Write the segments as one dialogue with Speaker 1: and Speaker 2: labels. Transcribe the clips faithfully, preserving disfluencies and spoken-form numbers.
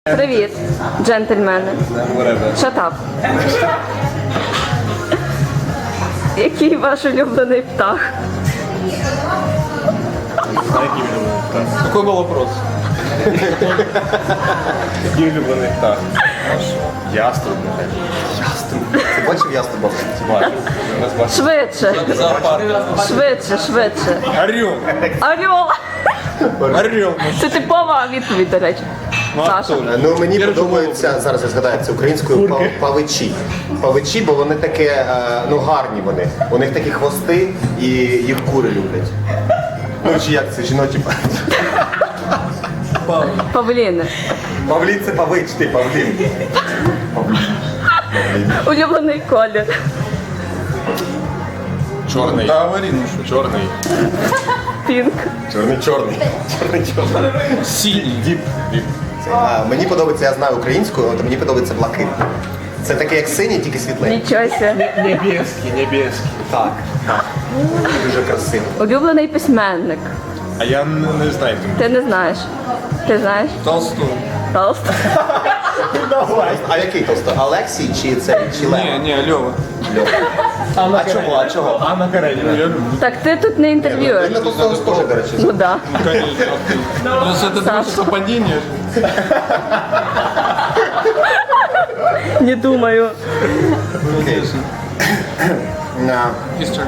Speaker 1: Привіт, джентльмени. Shut up. Який ваш улюблений птах?
Speaker 2: Какой был вопрос?
Speaker 3: Який улюблений птах? Яструб, нехай.
Speaker 2: Яструб. Ти бачив яструба?
Speaker 3: Бачу. У нас бачу.
Speaker 1: Швидше.
Speaker 2: Зоопарк.
Speaker 1: Швидше, швидше.
Speaker 3: Орел.
Speaker 1: Орел.
Speaker 3: Орел.
Speaker 1: Це типова відповідь, до речі. Саша.
Speaker 2: Ну мені подобається, зараз я згадаю це українською, пав- павичі. Павичі, бо вони таке, е, ну гарні вони. У них такі хвости і їх кури люблять. Ну чи як це, жіночі па-
Speaker 1: Павліни.
Speaker 2: Павлін це павич, ти павлін.
Speaker 1: Улюблений колір.
Speaker 3: Чорний.
Speaker 2: Та аварійно, що?
Speaker 3: Чорний.
Speaker 1: Пінк.
Speaker 2: Чорний, чорний. Чорний, чорний.
Speaker 3: Синій. Діп. Діп.
Speaker 2: А, мені подобається, я знаю українською, то мені подобається блакитний. Це таке як синій, тільки світлий.
Speaker 1: Нічого себе.
Speaker 3: Небеський, небеський.
Speaker 2: Так, так. Дуже красиво.
Speaker 1: Улюблений письменник.
Speaker 3: А я не, не знаю.
Speaker 1: Ти не знаєш. Ти знаєш?
Speaker 2: Толстой.
Speaker 1: Толст.
Speaker 2: А який Толстой? Олексій чи цей? Чи Лев?
Speaker 3: Ні, ні, Льова.
Speaker 2: А чого? А чого?
Speaker 3: Анна Каренина. Я люблю.
Speaker 1: Так ти тут не
Speaker 2: Він
Speaker 1: інтерв'юєш.
Speaker 2: на Толстого схожий, до речі.
Speaker 1: Ну да.
Speaker 3: Конечно. Просто это
Speaker 1: Саша.
Speaker 3: просто совпадение.
Speaker 1: Не думаю.
Speaker 2: Окей. На.
Speaker 3: History.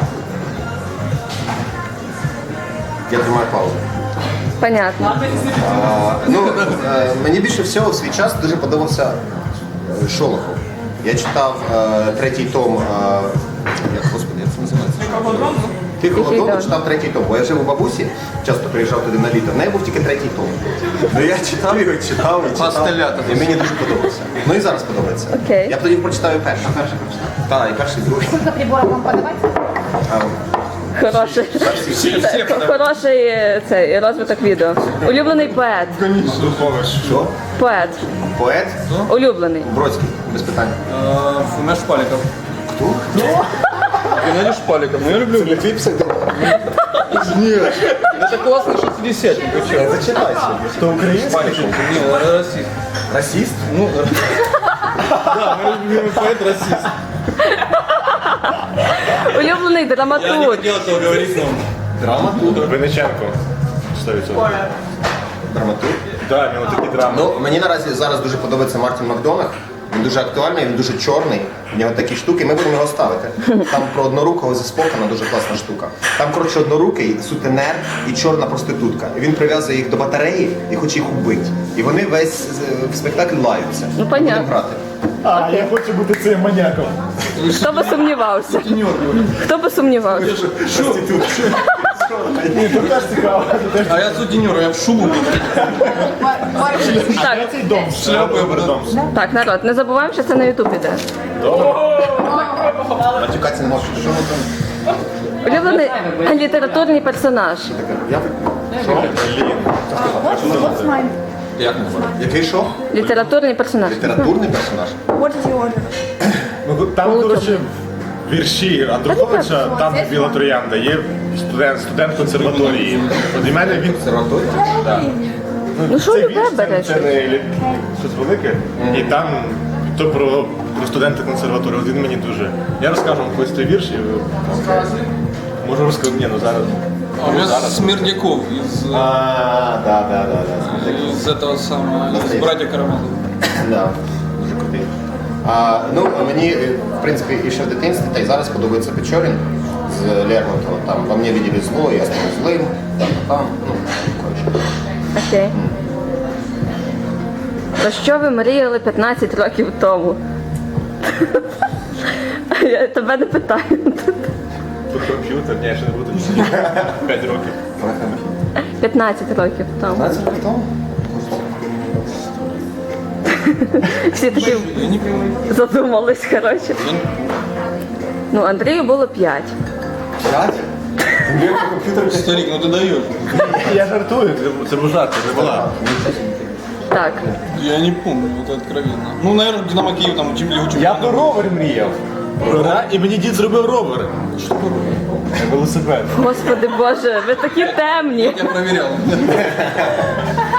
Speaker 2: Я тримаю паузу.
Speaker 1: Понятно.
Speaker 2: А, ну, е, мені більше всього в свій час дуже подобався е, Шолохов. Я читав е, третій том, е, як, господи, як це називається? Тихого
Speaker 1: Тихий
Speaker 2: дому
Speaker 1: дом.
Speaker 2: читав третій том, бо я жив у бабусі, часто приїжджав туди на літо, в неї був тільки третій том. Ну я читав його, читав і читав,
Speaker 3: Пастелята.
Speaker 2: і мені дуже подобався. Ну і зараз подобається.
Speaker 1: Окей.
Speaker 2: Я б тоді прочитаю перший. А перший прочитав? Так, і перший, і другий.
Speaker 4: Сколько приборов вам подавать?
Speaker 2: А,
Speaker 1: Хороший.
Speaker 3: Всі, всі.
Speaker 1: Хороший е, цей розвиток відео. Улюблений поет.
Speaker 2: що?
Speaker 1: Поет.
Speaker 2: Поет?
Speaker 1: Улюблений.
Speaker 2: Бродський, без питань.
Speaker 3: Наш Шпаликов.
Speaker 2: Хто?
Speaker 3: Геннадий Шпаликов. Ну я люблю.
Speaker 2: Це твій псевдонім?
Speaker 3: Нет. Это классный шестидесятник. Вы что?
Speaker 2: Зачитайся. Хто український?
Speaker 3: Не, расист.
Speaker 2: Расист?
Speaker 3: Ну, да, мой любимый поэт расист.
Speaker 1: Улюблений драматург.
Speaker 3: этого говорить, но...
Speaker 2: Драматург.
Speaker 3: Винниченко. сто відсотків.
Speaker 2: Драматург?
Speaker 3: Да, у нього такі драми.
Speaker 2: Ну, мені наразі зараз дуже подобається Мартін Макдонах. Він дуже актуальний, він дуже чорний. В нього такі штуки, ми будемо його ставити. Там про однорукого зі Спокана дуже класна штука. Там, коротше, однорукий, сутенер і чорна проститутка. І він прив'язує їх до батареї і хоче їх убити. І вони весь е, в спектакль лаються.
Speaker 1: Ну, понятно.
Speaker 2: Будемо грати.
Speaker 5: А, я хочу бути цим маньяком.
Speaker 1: Хто би сумнівався? Хто би сумнівався?
Speaker 5: Ні, то теж цікаво. Це теж
Speaker 3: А я сутенер, я в шубу.
Speaker 1: Так,
Speaker 5: цей дом.
Speaker 3: Шляпу я буду.
Speaker 1: так, народ, не забуваємо, що це на Ютуб іде.
Speaker 2: Матюкатися не можу. Що ми там?
Speaker 1: Улюблений літературний персонаж.
Speaker 2: Я...
Speaker 4: What's mine?
Speaker 3: Як не знаю.
Speaker 2: Який що?
Speaker 1: Літературний персонаж.
Speaker 2: Літературний персонаж?
Speaker 4: What is your order?
Speaker 5: Ну, там, коротше, вірші Андруховича, там де Біла Троянда, є студент, студент консерваторії. От для мене він
Speaker 2: Консерваторія?
Speaker 1: Ну що
Speaker 5: це
Speaker 1: любе
Speaker 5: вірш, це,
Speaker 1: береш?
Speaker 5: це не лі- щось велике. І там то про, про студента консерваторії. От він мені дуже. Я розкажу вам колись той вірш і ви можу розказати. Ні, ну зараз.
Speaker 6: А у меня Смирняков из,
Speaker 2: А, да, да, да, да.
Speaker 6: из этого самого, из «Братья Карамазовых».
Speaker 2: Да, дуже крутий. А, ну, мені, е, в принципі, і ще в дитинстві, та й зараз подобається Печорін з Лермонтова. Там «Во мне видели зло, я стану злим», там, там, ну, коротше.
Speaker 1: Окей. Про що ви мріяли п'ятнадцять років тому? Я тебе не питаю.
Speaker 5: Тут комп'ютер, ні, я ще не буду. П'ять років.
Speaker 1: п'ятнадцять років тому.
Speaker 2: п'ятнадцять років тому?
Speaker 1: Всі такі
Speaker 6: Я не понимаю.
Speaker 1: задумались, коротше. Ну, Андрію було п'ять.
Speaker 2: П'ять? Ти мені комп'ютер
Speaker 6: Старик, ну ты даешь.
Speaker 5: Я жартую, це- це був жарт, це була.
Speaker 1: Так.
Speaker 6: Я не помню, это откровенно. Ну, наверное, Динамо Киев там учили учили.
Speaker 5: Я про ровер мріяв. Да? І мені дід зробив ровер.
Speaker 6: Что такое?
Speaker 5: Велосипед.
Speaker 1: Господи Боже, ви такі темні.
Speaker 6: Я проверял.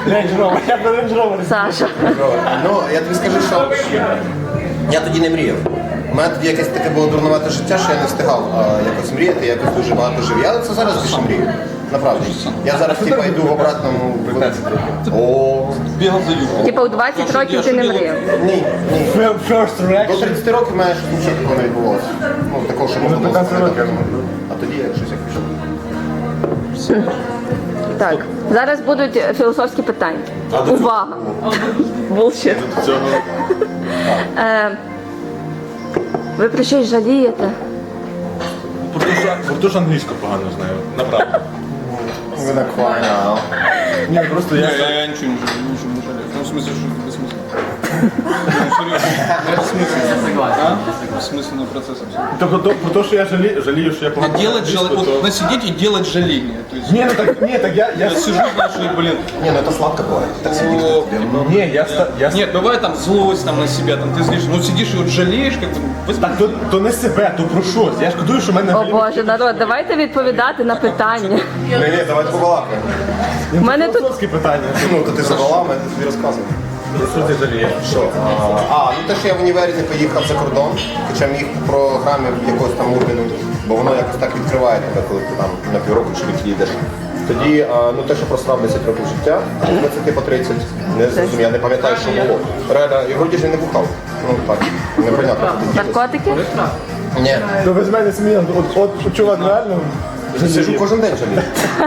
Speaker 5: Range Rover, я на Range Rover.
Speaker 1: Саша.
Speaker 2: Ну, я тобі скажу, що я тоді не мріяв. У мене тоді якесь таке було дурнувате життя, що я не встигав а, якось мріяти, я якось дуже багато жив. Я це зараз більше мрію. Направді. Я зараз типа йду в обратному. О,
Speaker 6: Бегал за юбку.
Speaker 1: Типа у двадцять років ти не мріяв.
Speaker 2: ні, ні.
Speaker 5: First
Speaker 2: До
Speaker 5: reaction.
Speaker 2: тридцяти років в мене щось нічого такого не відбувалося. Ну, такого, що можна було
Speaker 5: п'ятнадцять
Speaker 2: сказати.
Speaker 5: років.
Speaker 2: А тоді я щось як пішов.
Speaker 1: Так, зараз будуть філософські питання. Увага! Булшіт.
Speaker 5: Цього.
Speaker 1: Е, ви про щось жалієте?
Speaker 5: Бо дуже англійську погано знаю, направду.
Speaker 2: Ви на квайна.
Speaker 5: Ні, просто
Speaker 6: Не,
Speaker 5: я...
Speaker 6: я, я ничего не жалею, ничего не жалею. Ну, в смысле, что это бессмысленно. Ну, серьезно. Это бессмысленно. А? Бессмысленный процесс абсолютно.
Speaker 5: Тобто то- про те, що я жалію, жалію, що я погано
Speaker 6: А делать
Speaker 5: англійську,
Speaker 6: желание,
Speaker 5: то-
Speaker 6: вот насидеть и делать жаление. То есть
Speaker 5: Ні, ну так, ні, так я... я...
Speaker 6: я сижу, знаешь, и, блин,
Speaker 2: Ні, ну це сладко буває. Так сидіти.
Speaker 6: о,
Speaker 5: Ні, я... ста- я...
Speaker 6: нет, бывает там злость там на себя, там ты злишь, ну сидишь и вот жалеешь, как бы, возьми.
Speaker 5: Так, то, то не себе, то про щось. Я шкодую, що в мене...
Speaker 1: О Боже, народ, давайте відповідати на питання.
Speaker 2: Ні, ні, давайте побалакаємо.
Speaker 1: У мене тут
Speaker 5: Філософські питання.
Speaker 2: Ну, то ти задала, мене тобі розказував.
Speaker 5: Що ти жалієш?
Speaker 2: Що? А, а, ну те, що я в універі не поїхав за кордон, хоча міг по програмі якогось там Урбіну, бо воно якось так відкриває тебе, коли ти там на півроку чи рік їдеш. Тоді, а, ну те, що просрав десять років життя, з двадцяти по тридцять, не зрозумів, я не пам'ятаю, що було. Реально, і вроді ж він не бухав. Ну так, непонятно.
Speaker 1: наркотики?
Speaker 2: Ні,
Speaker 5: Ну ви з мене смієте, от, от чувак реально...
Speaker 2: сижу кожен день жалію.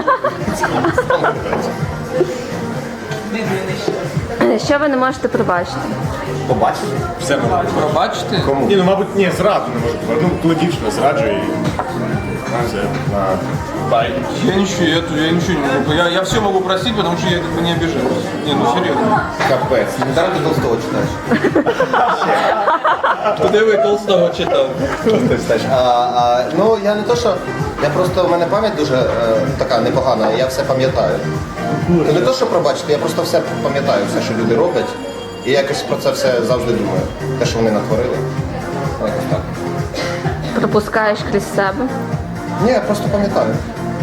Speaker 1: Що ви не можете пробачити?
Speaker 2: Побачиш?
Speaker 5: Все можна.
Speaker 6: Пробачьте.
Speaker 2: Кому?
Speaker 5: Ні, ну мабуть, ні, зраду не можу побачити. Ну, коли дівчина зраджує і... Все, на... Бай.
Speaker 6: Я ничего, я, я ничего не могу. Я, я все могу простить, потому что я как бы не обижаюсь. Не, ну серьезно.
Speaker 2: Капець. Недаром ти Толстого читаєш.
Speaker 6: Куда вы Толстого читал?
Speaker 2: Просто встаєш. А, а, ну, я не то, що... Я просто, в мене пам'ять дуже е, така непогана, я все пам'ятаю. Ну, не то, що пробачити, я просто все пам'ятаю, все, що люди роблять. І якось про це все завжди думаю. Те, що вони натворили. Якось так.
Speaker 1: Пропускаєш крізь себе?
Speaker 2: Ні, я просто пам'ятаю.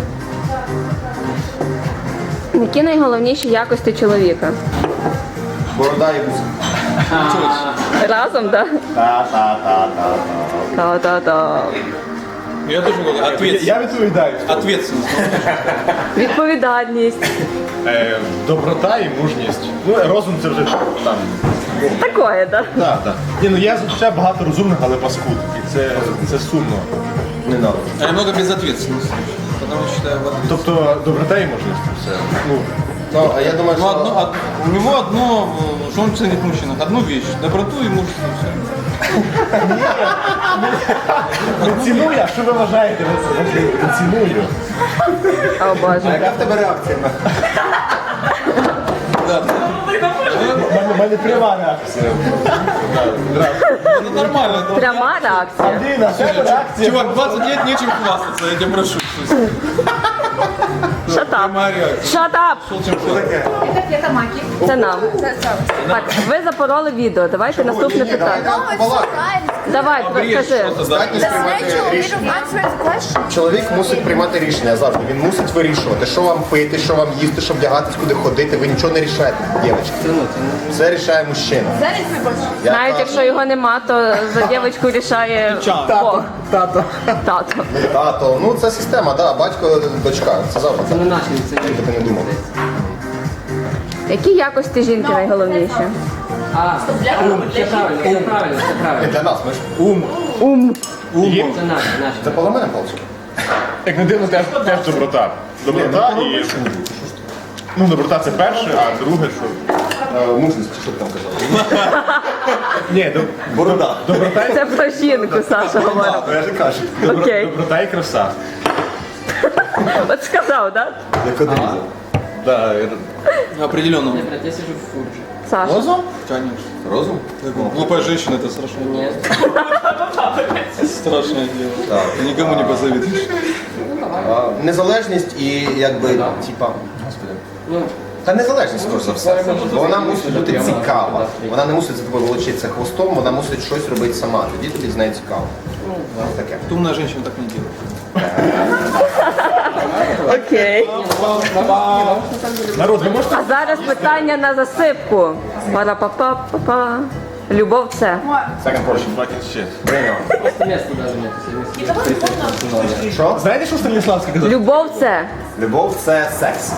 Speaker 1: Які найголовніші якості чоловіка?
Speaker 2: Борода і вуса.
Speaker 1: Разом, так?
Speaker 2: Та-та-та-та-та.
Speaker 1: Та-та-та.
Speaker 6: Я тоже говорю, ответственность.
Speaker 5: Я відповідаю.
Speaker 6: Ответственность.
Speaker 1: Відповідальність.
Speaker 5: Е, доброта і мужність. Ну, розум це вже там.
Speaker 1: Такое, так?
Speaker 5: Так, так. Ні, ну я звичайно багато розумних, але паскуд. І це, це сумно.
Speaker 2: Не надо.
Speaker 6: А немного безответственности. Потому что считаю в ответственности.
Speaker 5: Тобто доброта і мужність. Все. Ну,
Speaker 2: Ну, а я думаю,
Speaker 6: Ну,
Speaker 2: що...
Speaker 6: одно, од- у него одно, э, что он ценит в мужчинах, одну вещь, доброту и мужество. Все.
Speaker 5: не ціную, а що ви вважаєте? Не ціную.
Speaker 1: О Боже.
Speaker 2: Яка в тебе реакція?
Speaker 6: Да.
Speaker 5: У мене, у мене пряма реакція.
Speaker 6: Ну, нормально. это-
Speaker 1: Пряма реакція.
Speaker 5: Андрій, на тебе реакція.
Speaker 6: Чувак, двадцать лет нечем хвастаться, я тебя прошу.
Speaker 1: Shut up.
Speaker 6: Прямая реакция.
Speaker 1: Shut up.
Speaker 6: Шел, чем шел.
Speaker 4: Это флетомаки.
Speaker 1: Це нам. Так, ви запороли відео. Давайте наступне питання.
Speaker 4: No, it's so nice.
Speaker 1: Давай,
Speaker 6: Брешь
Speaker 1: кажи.
Speaker 6: что-то, да.
Speaker 2: Здатність
Speaker 4: The
Speaker 2: приймати
Speaker 4: natural way
Speaker 2: рішення.
Speaker 4: of answering the question.
Speaker 2: Чоловік мусить приймати рішення завжди. Він мусить вирішувати, що вам пити, що вам їсти, що вдягатись, куди ходити. Ви нічого не рішаєте, дівчатки. Все рішає мужчина.
Speaker 4: That is my question.
Speaker 2: Я
Speaker 1: Навіть
Speaker 2: кажу,
Speaker 1: якщо його нема, то за дівчинку рішає Бог.
Speaker 5: Тато.
Speaker 1: Тато.
Speaker 2: Тато, ну це система, да, батько, дочка. Це завжди. Це не наші, це ти не думав.
Speaker 1: Які якості жінки найголовніші?
Speaker 7: Все правильно, все правильно, все
Speaker 2: І
Speaker 7: правильно.
Speaker 2: для нас, ми ж.
Speaker 5: Ум.
Speaker 1: Ум.
Speaker 5: Є.
Speaker 7: Це наше, наше.
Speaker 2: Це поза мене палчик.
Speaker 5: Як не дивно, теж, теж доброта. Доброта і... Ну, доброта це перше, а друге, що...
Speaker 2: Е, Мужність, що ти там казав?
Speaker 5: Ні, доб...
Speaker 2: Борода.
Speaker 5: доброта і...
Speaker 1: Це про жінку, Саша говорить.
Speaker 2: Я ж кажу.
Speaker 5: Добро...
Speaker 1: Окей.
Speaker 5: Доброта і краса.
Speaker 1: От сказав, так?
Speaker 2: Як одрізав.
Speaker 5: Да,
Speaker 6: Определенно.
Speaker 7: Брат, я сижу в фурже.
Speaker 1: Саша.
Speaker 6: Конечно.
Speaker 2: Розум?
Speaker 6: Глупая женщина это страшное дело.
Speaker 7: Нет.
Speaker 6: Страшное дело.
Speaker 2: Так.
Speaker 6: Ты никому не позавидуешь.
Speaker 2: А, Незалежність і якби, типа, господи.
Speaker 7: Ну,
Speaker 2: Та незалежність, скоріш за все. Бо вона мусить бути цікава. Вона не мусить за тобою волочитися хвостом, вона мусить щось робити сама. Тоді тобі з нею цікаво. Таке.
Speaker 6: Умная женщина так не делает.
Speaker 1: Окей.
Speaker 5: Народ, ви можете?
Speaker 1: А зараз питання на засипку. Пара-па-па-па-па. Любов це.
Speaker 2: Second portion.
Speaker 5: Fucking shit.
Speaker 2: Bring on.
Speaker 7: Просто места даже нет.
Speaker 2: Що?
Speaker 5: Знаєте, що Станіславський казав?
Speaker 1: Любов це.
Speaker 2: Любов це секс.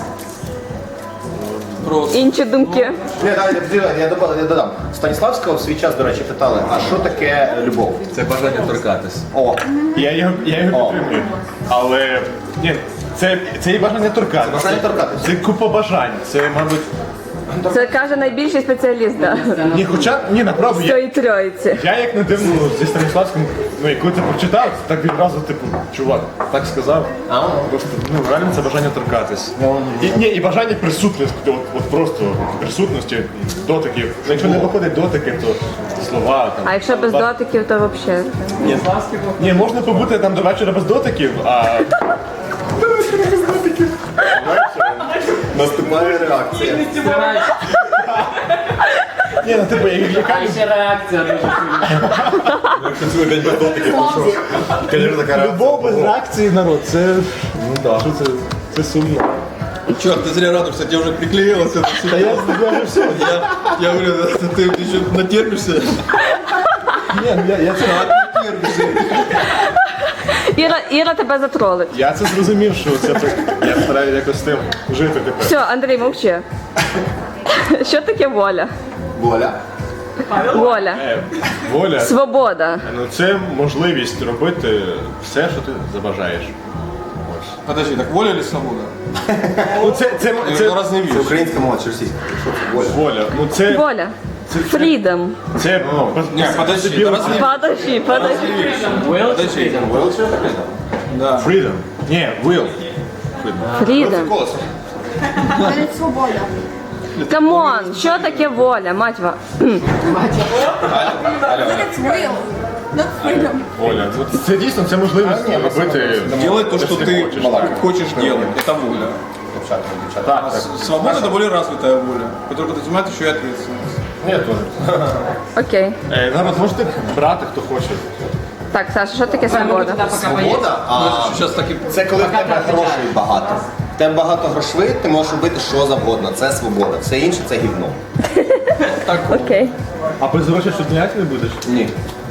Speaker 1: Інші думки.
Speaker 2: Ні, давай, я, я, додам, я додам. Станіславського в свій час, до речі, питали, а що таке любов?
Speaker 3: Це бажання торкатись.
Speaker 2: О,
Speaker 5: Я його, я його
Speaker 2: О.
Speaker 5: підтримую. Але ні, це, це і бажання торкатися.
Speaker 2: Це бажання торкатися.
Speaker 5: Це купа бажань. Це, мабуть.
Speaker 1: Це каже найбільший спеціаліст, да.
Speaker 5: Ні, хоча ні, направду.
Speaker 1: З
Speaker 5: Я,
Speaker 1: цієї тройці.
Speaker 5: я як не дивно зі Станіславським, ну і коли це прочитав, так відразу, типу, чувак, так сказав. Просто ну реально це бажання торкатись. І, ні, і бажання присутності, от, от просто присутності, дотиків. Ну, якщо не виходить дотики, то слова там.
Speaker 1: А якщо без дотиків, то взагалі.
Speaker 5: Ні, ні, можна побути там до вечора без дотиків, а
Speaker 2: наступає реакція.
Speaker 5: ні, ну типу, я- яка
Speaker 7: А ще реакція дуже сильна.
Speaker 2: Якщо цілий день без дотиків, то що? Звісно, така реакція.
Speaker 5: любов без реакції, народ, це ну да, що це, це сумно.
Speaker 6: Черт, ты зря радуешься, тебе уже приклеилось это все.
Speaker 5: Та я, я вже все.
Speaker 6: Я, я говорю, ты, ты еще натерпишься.
Speaker 5: Ні, ну, я, я це
Speaker 6: Натерпишься.
Speaker 1: Іра, Іра тебе затролить.
Speaker 5: я це зрозумів, що це так. Я стараюся якось з тим жити тепер.
Speaker 1: Все, Андрій, мовчи. Що таке воля?
Speaker 2: Воля.
Speaker 1: Воля.
Speaker 5: Е, воля.
Speaker 1: Свобода.
Speaker 5: Ну це можливість робити все, що ти забажаєш. Ось.
Speaker 6: Подожди, так воля или свобода?
Speaker 5: Ну це, це,
Speaker 6: Это
Speaker 5: це,
Speaker 6: разные
Speaker 2: Це
Speaker 6: вещи.
Speaker 2: українська мова чи російська? Що це воля?
Speaker 5: воля. Ну це,
Speaker 1: Воля.
Speaker 5: це,
Speaker 1: Freedom.
Speaker 5: це,
Speaker 6: Не, подожди,
Speaker 5: собі
Speaker 6: это разные
Speaker 1: Подожди, подожди.
Speaker 7: Will
Speaker 6: Подожди. Да.
Speaker 5: freedom. Ні, will.
Speaker 1: Freedom.
Speaker 2: Колесо.
Speaker 4: Навіть свобода.
Speaker 1: Камон, що таке воля, матьва?
Speaker 4: It's real. Not freedom.
Speaker 5: Воля. Ну, це дійсно це можливість робити.
Speaker 6: Делать то, что ты
Speaker 5: хочеш.
Speaker 6: хочешь делать. Это воля.
Speaker 2: Дівчата, дівчата.
Speaker 5: Так, так.
Speaker 6: Свобода это более развитая воля, которая подразумевает еще и ответственность.
Speaker 5: Ні, теж.
Speaker 1: Окей.
Speaker 5: Е, народ, можете брати, хто хоче.
Speaker 1: Так, Саша, що таке свобода?
Speaker 2: Свобода, а
Speaker 6: Сейчас так и...
Speaker 2: це коли в тебе грошей багато. В тебе багато грошей, ти можеш робити що завгодно. Це свобода. Все інше це гівно.
Speaker 1: Окей.
Speaker 5: А без грошей що ніяк не будеш?
Speaker 2: Ні.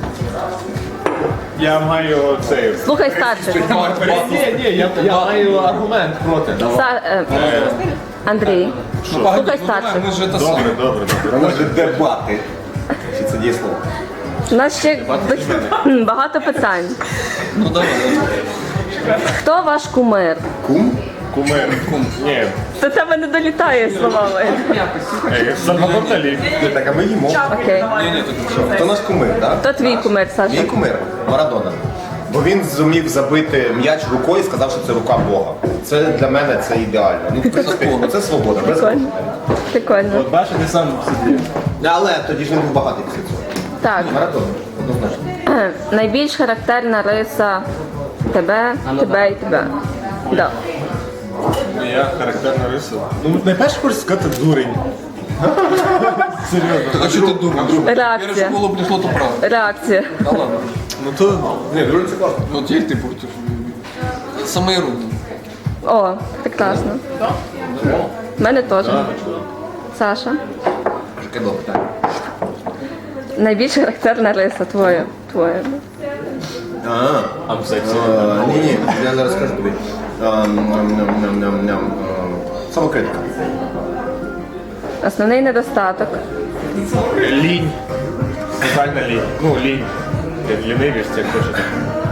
Speaker 5: Я маю цей.
Speaker 1: Слухай старших.
Speaker 5: Ні, ні, я, я маю аргумент проти.
Speaker 1: Са- е, Андрій,
Speaker 6: Ну, погоди,
Speaker 1: слухай
Speaker 6: ну, давай,
Speaker 1: старших.
Speaker 6: мы же это
Speaker 5: Добре,
Speaker 6: самое.
Speaker 5: добре, добре.
Speaker 2: Вона ж дебати. Чи це дієслово?
Speaker 1: У нас ще б- багато питань.
Speaker 6: Ну давай.
Speaker 1: Хто ваш кумир?
Speaker 2: Кум?
Speaker 5: Кумир. Ні,
Speaker 1: До тебе не долітає словами.
Speaker 5: е, Сальвадор Далі.
Speaker 2: Ні, так, а ми їмо.
Speaker 1: Окей.
Speaker 6: Не, не, тут
Speaker 2: Хто наш кумир, так?
Speaker 1: Хто твій кумир,
Speaker 2: Мій
Speaker 1: Саша?
Speaker 2: кумир Марадона. Бо він зумів забити м'яч рукою і сказав, що це рука Бога. Це для мене це ідеально. Ну, в принципі, це свобода. Без
Speaker 1: Прикольно. Прикольно.
Speaker 5: От бачиш, ти сам собі.
Speaker 2: Але тоді ж він був багатий після цього.
Speaker 1: Так,
Speaker 2: Марадона, однозначно.
Speaker 1: е, найбільш характерна риса тебе, тебе і тебе. Да.
Speaker 5: Я характерна риса. Ну, найперше хочу сказати дурень. Серйозно.
Speaker 6: Так а что ты думаешь? Первое,
Speaker 1: Реакція.
Speaker 6: что в голову пришло, то правда.
Speaker 1: Реакція.
Speaker 6: Да ладно.
Speaker 5: Ну то
Speaker 2: Ні, дуже це класно.
Speaker 6: Ну теперь ты против. Самые руки.
Speaker 1: О, прекрасно. В мене теж. Саша.
Speaker 2: Яке добре питання.
Speaker 1: Найбільш характерна риса твоя. Твоя.
Speaker 2: А,
Speaker 5: I'm sexy.
Speaker 2: а, ні, ні, я зараз скажу тобі. А, ням, ням, ням, ням, ням. А, Самокритика.
Speaker 1: Основний недостаток.
Speaker 5: Лінь. Тотальна лінь. Ну, лінь. Лінивість, як хочете.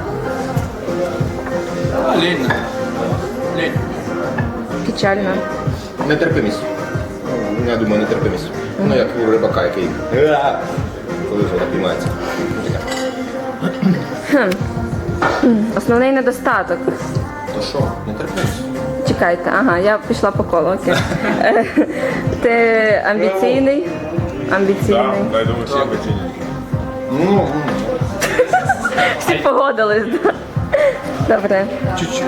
Speaker 6: А, лень. наверное. Лень.
Speaker 1: Печальна.
Speaker 2: Нетерпимість. Ну, я думаю, нетерпимість. Ну, як у рибака, який. «Га!» Коли вже напіймається.
Speaker 1: Основний недостаток.
Speaker 2: То що? Нетерпимість.
Speaker 1: Чекайте, ага, я пішла по колу. Окей. Е, Ти амбіційний? Амбіційний.
Speaker 5: Так, я думаю, всі амбіційні.
Speaker 2: Ну,
Speaker 1: Всі погодились. да? Добре.
Speaker 6: Чуть-чуть.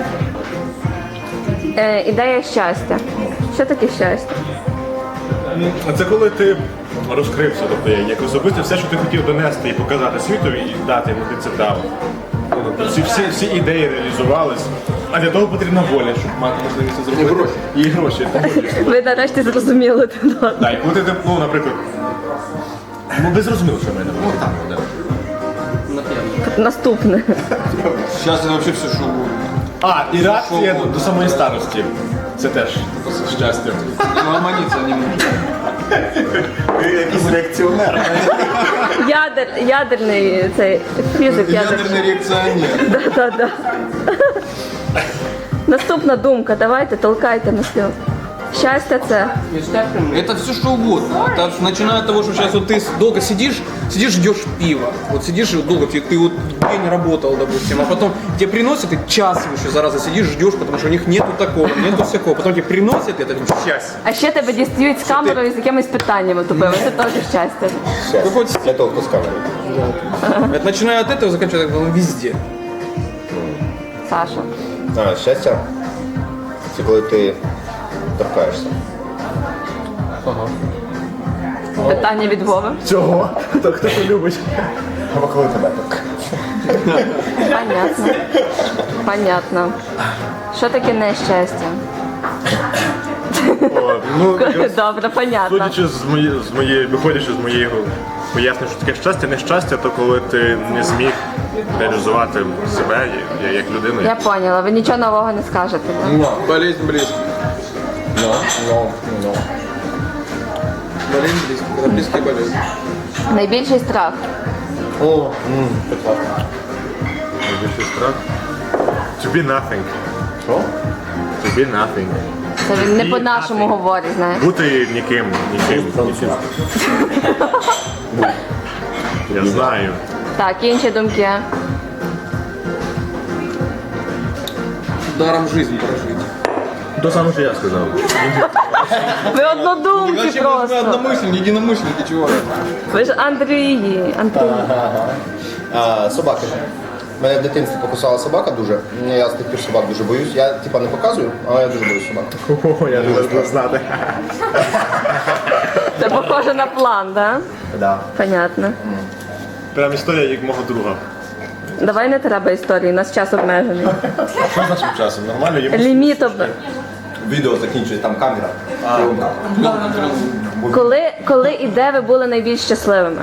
Speaker 1: Е, ідея щастя. Що таке щастя?
Speaker 5: А це коли ти розкрився, тобто як особисто все, що ти хотів донести і показати світові, і дати йому, ти це дав. Всі, всі, всі ідеї реалізувались, А для того потрібна воля, щоб мати можливість це зробити. І гроші. І гроші.
Speaker 1: Ви нарешті зрозуміли.
Speaker 5: Так, і коли ти, ну, наприклад, ну, ви зрозуміли, що в мене було. Так, да.
Speaker 1: Наступне.
Speaker 6: Сейчас я вообще все что угодно.
Speaker 5: А, і реакція до самої старості. Це теж щастя.
Speaker 6: Ну, оманиться не может.
Speaker 2: Ти якийсь реакціонер.
Speaker 1: Ядер, ядерний цей фізик ядерний.
Speaker 6: Ядерный реакционер.
Speaker 1: Да, да, да. Наступна думка, давайте, толкайте на стіл. Щастя це.
Speaker 6: Это все что угодно. Это начиная от того, что сейчас вот ты долго сидишь, сидишь, ждешь пива. Вот сидишь и долго, ты, ты вот день работал, допустим, а потом тебе приносят, и час еще, зараза, сидишь, ждешь, потому что у них нету такого, нету всякого. Потом тебе приносят, это счастье.
Speaker 1: А ще тебе дістають з камерою з якимись питаннями тупими. Це теж щастя.
Speaker 2: Для того, хто з камери.
Speaker 6: Это начиная от этого, заканчивая ну, везде.
Speaker 1: Саша.
Speaker 2: А, щастя, це коли ти торкаєшся.
Speaker 1: Питання від Вови.
Speaker 5: Цього? То хто це любить?
Speaker 2: Або коли тебе торкаєш.
Speaker 1: Понятно. Понятно. Що таке нещастя?
Speaker 5: О, ну,
Speaker 1: Добре, понятно.
Speaker 5: судячи з моєї, з моєї, виходячи з моєї пояснення, що таке щастя, нещастя, то коли ти не зміг реалізувати себе я- як людину.
Speaker 1: Я поняла, ви нічого нового не скажете. Да?
Speaker 6: Болезнь близких.
Speaker 2: Ну, ну, ну.
Speaker 6: Болезнь близких. Это близкие болезни.
Speaker 1: Найбільший страх.
Speaker 2: О, м, прекрасно.
Speaker 5: Найбільший страх. To be nothing.
Speaker 2: Що?
Speaker 5: To be nothing.
Speaker 1: Це він не по-нашому говорить, знаєш.
Speaker 5: Бути ніким, ніким, ніким. Я знаю.
Speaker 1: Так, інші думки.
Speaker 6: Даром жизнь прожить.
Speaker 5: То саме, що я сказав.
Speaker 1: Ви однодумці
Speaker 6: Зачем нужны
Speaker 1: просто.
Speaker 6: одномышленники, единомышленники, чего?
Speaker 1: Ви ж Андрії. Андрій.
Speaker 2: А, собаки. Мене в дитинстві покусала собака дуже. Я з тих пір собак дуже боюсь. Я типа не показую, але я дуже боюсь собак.
Speaker 5: О, я не можу знати.
Speaker 1: Це похоже на план, да?
Speaker 2: Да.
Speaker 1: Понятно.
Speaker 5: Прям історія як мого друга.
Speaker 1: Давай не треба історії, у нас час обмежений.
Speaker 5: Що з нашим часом? Нормально? Йому
Speaker 1: Ліміт об...
Speaker 2: Відео закінчується, там камера.
Speaker 1: Коли, коли і де ви були найбільш щасливими?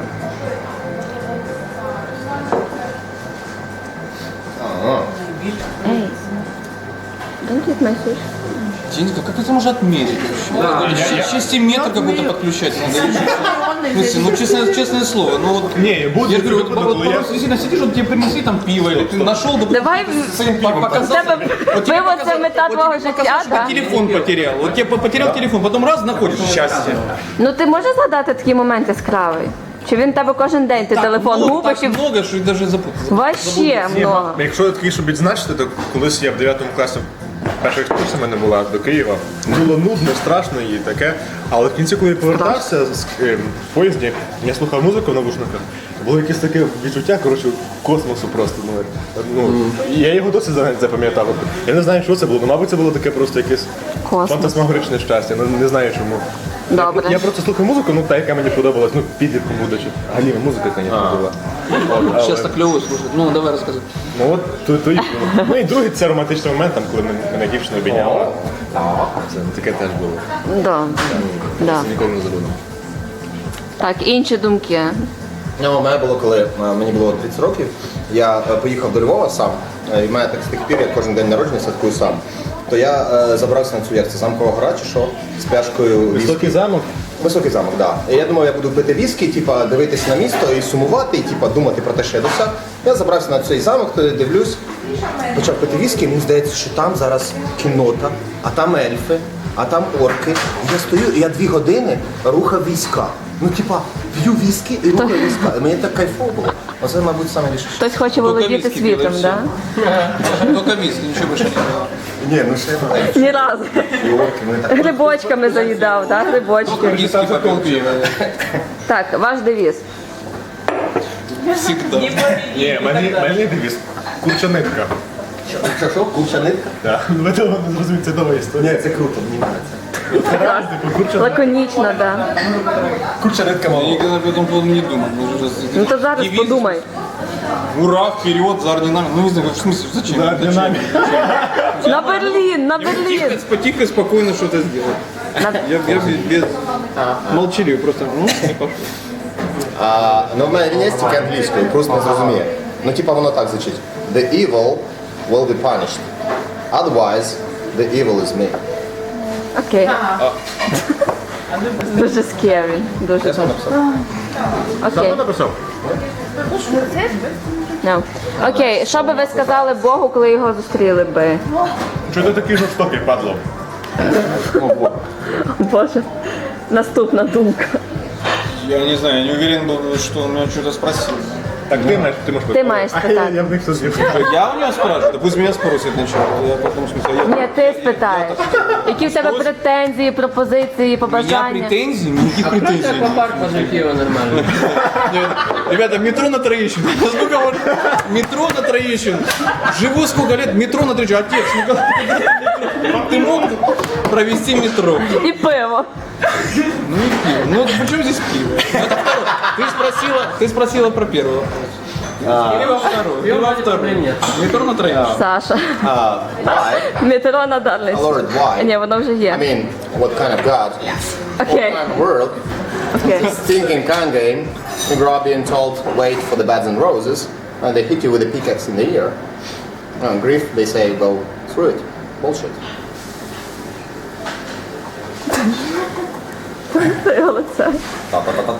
Speaker 1: Ей, don't eat my fish.
Speaker 6: Денька, как это можно отмерить вообще? Шестиметр какой-то подключать надо. или что? В смысле, ну честное, честное слово, ну вот...
Speaker 5: Ні, буде
Speaker 6: Я же говорю, вот,
Speaker 5: випадок,
Speaker 6: вот,
Speaker 5: коли я...
Speaker 6: просто действительно сидишь, вот тебе принесли там пиво, или ты нашел, допустим,
Speaker 1: Давай
Speaker 6: с своим пивом,
Speaker 1: У
Speaker 6: показал,
Speaker 1: тебе
Speaker 6: вот тебе
Speaker 1: пиво це
Speaker 6: показал-
Speaker 1: мета
Speaker 6: вот
Speaker 1: твого
Speaker 6: тебе
Speaker 1: життя,
Speaker 6: показал, что
Speaker 1: да?
Speaker 6: ты телефон потерял, вот тебе потерял телефон, потом раз находишь счастье.
Speaker 1: Ну ти можеш згадати такий момент яскравий? Чи він в тебе кожен день ти телефон
Speaker 6: много,
Speaker 1: губиш
Speaker 6: так
Speaker 1: і
Speaker 6: много, що даже запутался.
Speaker 1: вообще много.
Speaker 5: Якщо такий, щоб відзначити, то колись я в дев'ятому класі перша екскурсія в мене була до Києва. Було нудно, страшно і таке. Але в кінці, коли я повертався з е, в поїзді, я слухав музику в навушниках. Було якесь таке відчуття, коротше, космосу просто. Ну, ну, і я його досі за- запам'ятав. Я не знаю, що це було. Ну, мабуть, це було таке просто якесь
Speaker 1: Космос.
Speaker 5: фантасмагоричне щастя. Ну, не знаю чому.
Speaker 1: Добре.
Speaker 5: Я просто слухав музику, ну та, яка мені подобалась, ну, підлітком будучи. Галіна музика, звісно, була. От, але-
Speaker 6: Сейчас так клево слушать. Ну, давай рассказывай.
Speaker 5: Ну от то, то, і- ну і другий це романтичний момент, там, коли мене, мене дівчина обійняла. Це таке теж було.
Speaker 1: Да. Да.
Speaker 5: Це ніколи не забуду.
Speaker 1: Так, інші думки.
Speaker 2: Ну, у мене було, коли е, мені було тридцять років, я е, поїхав до Львова сам, е, і в мене так з тих пір, я кожен день народження святкую сам. То я е, забрався на цю як це замкова гора чи що, з пляшкою віскі.
Speaker 5: Високий замок.
Speaker 2: Високий замок, так. Да. І я думав, я буду пити віскі, типа, дивитися на місто і сумувати, і типа, думати про те, що я досяг. Я забрався на цей замок, туди дивлюсь, почав пити віскі, і мені здається, що там зараз кіннота, а там ельфи, а там орки. І я стою, і я дві години рухав війська. Ну, типа, п'ю віскі і рухаю війська. І мені так кайфово було. Оце, мабуть, саме більше.
Speaker 1: Хтось хоче володіти
Speaker 6: віскі
Speaker 1: світом,
Speaker 6: пили,
Speaker 1: да?
Speaker 6: Только виски, ничего больше не было.
Speaker 2: Ні, ну ще не
Speaker 1: Ні разу.
Speaker 2: і орки, вони так.
Speaker 1: Грибочками заїдав, так? Грибочки.
Speaker 6: Виски попил пиво.
Speaker 1: Так, ваш девіз.
Speaker 6: Всегда.
Speaker 5: Ні, мене, мене девіз. Курча нитка.
Speaker 2: Що, що, курча нитка?
Speaker 5: Так, ви того не зрозумієте, це нова історія.
Speaker 2: Ні, це круто, мені подобається.
Speaker 5: Типу, курча
Speaker 1: Лаконічно, так. Да.
Speaker 2: Курча нитка
Speaker 6: Я
Speaker 2: мало.
Speaker 6: никогда по этому поводу не думал. Мы же раз-
Speaker 1: Ну то зараз
Speaker 6: Девиз.
Speaker 1: подумай.
Speaker 6: Ура, вперед, за орденами. Ну не знаю, в смысле, зачем?
Speaker 5: За орденами.
Speaker 1: На Берлін, на Берлін.
Speaker 6: Тихо, потихо, спокойно что-то сделать.
Speaker 1: На-
Speaker 6: Я, я без, без молчаливый просто. Ну, не пошел.
Speaker 2: А, ну в мене є тільки англійською, просто не зрозуміє. Ну типа воно так звучить. The evil will be punished. Otherwise, the evil is me.
Speaker 1: Окей. Дуже scary. Дуже.
Speaker 2: Я сам написав.
Speaker 1: Окей.
Speaker 5: написав?
Speaker 1: No. Окей, що би ви сказали Богу, коли його зустріли би?
Speaker 5: Чого ти такий жорстокий, падло?
Speaker 1: Боже. Наступна думка.
Speaker 6: Я не знаю, я не уверен был, что он меня что-то спросил.
Speaker 5: Так ти маєш, ти можеш
Speaker 1: Ти маєш
Speaker 5: А я,
Speaker 1: спитати.
Speaker 5: я в них все
Speaker 6: Я у него спрашиваю? Да пусть меня спросит сначала. Я потом в смысле, я...
Speaker 1: Ні, ти спитаєш. Які в тебе претензії, пропозиції,
Speaker 6: У меня
Speaker 1: побажання?
Speaker 6: претензий? Никаких претензий.
Speaker 7: По парку возле Киева нормально.
Speaker 6: Нет, ребята, метро на Троещину. Сколько вот? Метро на Троещину. Живу сколько лет, метро на Троещину. Отец, ну как ты мог провести метро?
Speaker 1: І пиво.
Speaker 6: Ну и пиво. Ну вот при чем здесь пиво? Это второе. Ты спросила, ты спросила про первый вопрос. Или во второй? Или во второй?
Speaker 7: Нет.
Speaker 6: Метро на Троещину.
Speaker 1: Саша.
Speaker 2: Uh, why?
Speaker 1: Метро на Дарліс.
Speaker 2: Lord, why?
Speaker 1: Ні, воно вже
Speaker 2: I
Speaker 1: є.
Speaker 2: mean, what kind of God? What
Speaker 1: Окей.
Speaker 2: kind of world?
Speaker 1: Окей.
Speaker 2: Thinking kind game. You grow up being told, wait for the beds and roses, and they hit you with a pickaxe in the ear. And grief, they say, go through it. Bullshit.
Speaker 1: Це його лице.
Speaker 2: Та-та-та-та.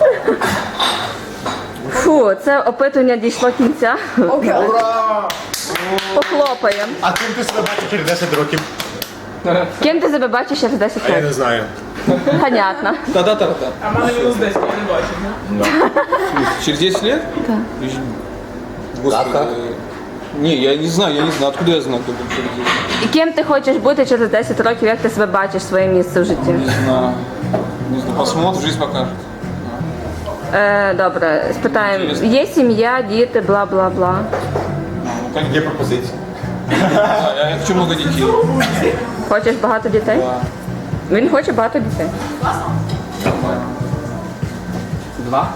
Speaker 1: Фу, це опитування дійшло кінця.
Speaker 2: Ура!
Speaker 1: Похлопаємо.
Speaker 5: А ким ти себе бачиш через десять років?
Speaker 1: Ким ти себе бачиш через десять
Speaker 5: Я не
Speaker 1: років?
Speaker 5: знаю.
Speaker 1: Понятно.
Speaker 6: Та-та-та-та.
Speaker 7: А мене мінус десять, я не бачив.
Speaker 6: Через десять лет?
Speaker 1: Да.
Speaker 6: Господи.
Speaker 2: Да, как?
Speaker 6: Не, я не знаю, я не знаю, откуда я знаю, кто будет через десять.
Speaker 1: І ким ти хочеш бути через десять років, як ти себе бачиш, своє місце в житті?
Speaker 6: Не знаю. Не знаю, посмотрим, жизнь покажет.
Speaker 1: Е, добре, спитаємо. Є сім'я, діти, бла-бла-бла.
Speaker 6: Ну, как
Speaker 5: Є пропозиції.
Speaker 6: Да, я, я хочу много детей.
Speaker 1: Хочеш багато дітей? Він хоче багато дітей.
Speaker 7: Два.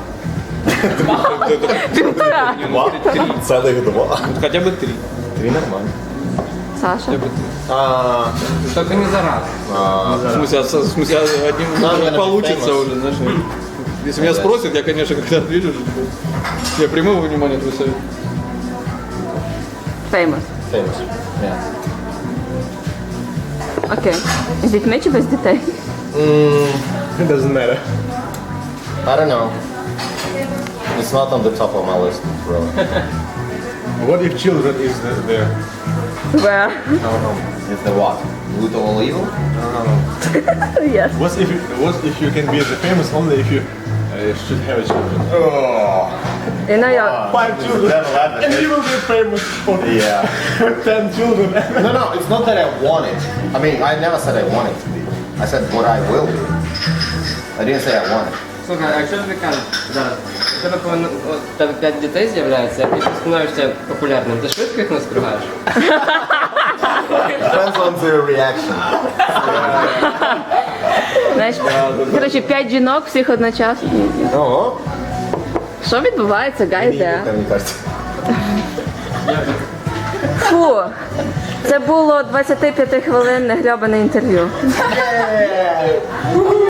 Speaker 1: Півтора.
Speaker 2: Целых два.
Speaker 6: Вот хотя бы три.
Speaker 2: Три нормально.
Speaker 1: Саша.
Speaker 6: Хотя бы три.
Speaker 2: А,
Speaker 7: Только не за раз.
Speaker 6: В смысле, а со- в смысле, а одним
Speaker 2: Надо
Speaker 6: не
Speaker 2: на
Speaker 6: получится
Speaker 2: famous.
Speaker 6: уже, знаешь. Если меня спросят, я, конечно, когда отвечу, я приму во внимание твой совет.
Speaker 1: Famous.
Speaker 2: famous. Yeah.
Speaker 1: Окей. З дітьми чи без дітей?
Speaker 5: It doesn't matter.
Speaker 2: I don't know. It's not on the top of my list, bro.
Speaker 5: What if children is the, the
Speaker 1: Where?
Speaker 2: No, no. It's the what? Root of all evil?
Speaker 1: Yes.
Speaker 5: what if you, what if you can be the famous only if you uh, should have a children? Oh,
Speaker 1: You know, я...
Speaker 5: five children, and you will be famous for
Speaker 2: Yeah.
Speaker 5: ten children.
Speaker 2: No, no, it's not that I want it. I mean, I never said I want it to be. I said what I will be. I didn't say I want it.
Speaker 7: Слухай, а якщо тобі кажуть зараз, у тебе повинно от, у тебе п'ять дітей з'являється, і ти становишся популярним, ти швидко їх наскругаєш?
Speaker 2: Depends on the reaction.
Speaker 1: Знаєш, коротше, п'ять жінок всіх одночасно.
Speaker 2: Ого.
Speaker 1: Що відбувається, гайде?
Speaker 2: Мені кажется.
Speaker 1: Фу, це було двадцятип'ятихвилинне грьобане інтерв'ю.